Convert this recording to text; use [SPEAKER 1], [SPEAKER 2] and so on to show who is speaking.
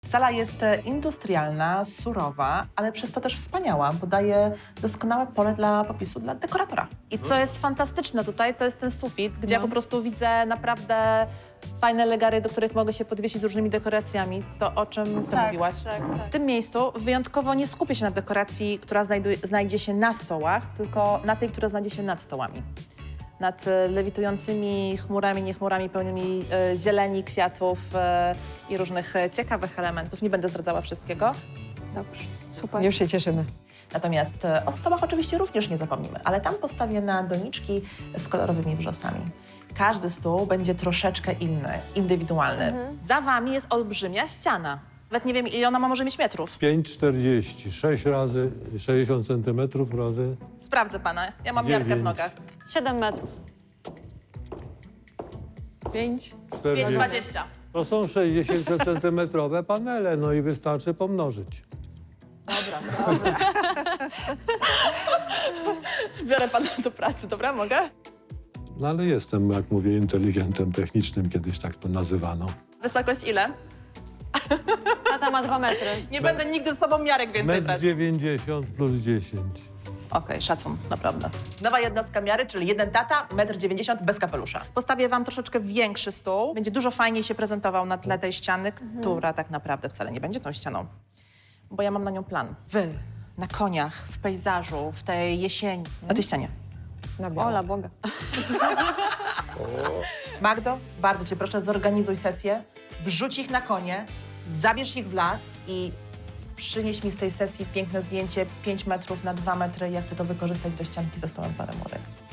[SPEAKER 1] Sala jest industrialna, surowa, ale przez to też wspaniała, bo daje doskonałe pole dla popisu dla dekoratora. I co jest fantastyczne tutaj, to jest ten sufit, gdzie ja po prostu widzę naprawdę fajne legary, do których mogę się podwiesić z różnymi dekoracjami. To, o czym ty mówiłaś. W tym miejscu wyjątkowo nie skupię się na dekoracji, która znajdzie się na stołach, tylko na tej, która znajdzie się nad stołami. Nad lewitującymi chmurami, nie chmurami, pełnymi zieleni, kwiatów i różnych ciekawych elementów. Nie będę zdradzała wszystkiego.
[SPEAKER 2] Dobrze, super.
[SPEAKER 3] Już się cieszymy.
[SPEAKER 1] Natomiast o stołach oczywiście również nie zapomnimy, ale tam postawię na doniczki z kolorowymi wrzosami. Każdy stół będzie troszeczkę inny, indywidualny. Za wami jest olbrzymia ściana. Nawet nie wiem, ile ona ma może mieć metrów.
[SPEAKER 4] 5,40, 6 razy 60 centymetrów razy
[SPEAKER 1] Sprawdzę pana, ja mam miarkę w
[SPEAKER 4] 9.
[SPEAKER 1] nogach.
[SPEAKER 2] 7 metrów.
[SPEAKER 3] 5.
[SPEAKER 4] 40.
[SPEAKER 1] 5,20.
[SPEAKER 4] To są 60-centymetrowe panele, no i wystarczy pomnożyć.
[SPEAKER 1] Biorę pana do pracy, dobra? Mogę?
[SPEAKER 4] No ale jestem, jak mówię, inteligentem technicznym, kiedyś tak to nazywano.
[SPEAKER 1] Wysokość ile?
[SPEAKER 2] Tata ma 2 metry.
[SPEAKER 1] Nie będę nigdy z tobą miarek więcej brać.
[SPEAKER 4] 1,90 plus 10.
[SPEAKER 1] Okej, szacun, naprawdę. Nowa jednostka miary, czyli jeden tata, 1,90 m bez kapelusza. Postawię wam troszeczkę większy stół. Będzie dużo fajniej się prezentował na tle tej ściany, która tak naprawdę wcale nie będzie tą ścianą. Bo ja mam na nią plan. Wy, na koniach, w pejzażu, w tej jesieni, na tej ścianie.
[SPEAKER 3] Na biało.
[SPEAKER 2] Ola Boga.
[SPEAKER 1] Magdo, bardzo cię proszę, zorganizuj sesję, wrzuć ich na konie, zabierz ich w las i przynieś mi z tej sesji piękne zdjęcie 5 metrów na 2 metry. Ja chcę to wykorzystać do ścianki ze stołem parę murek.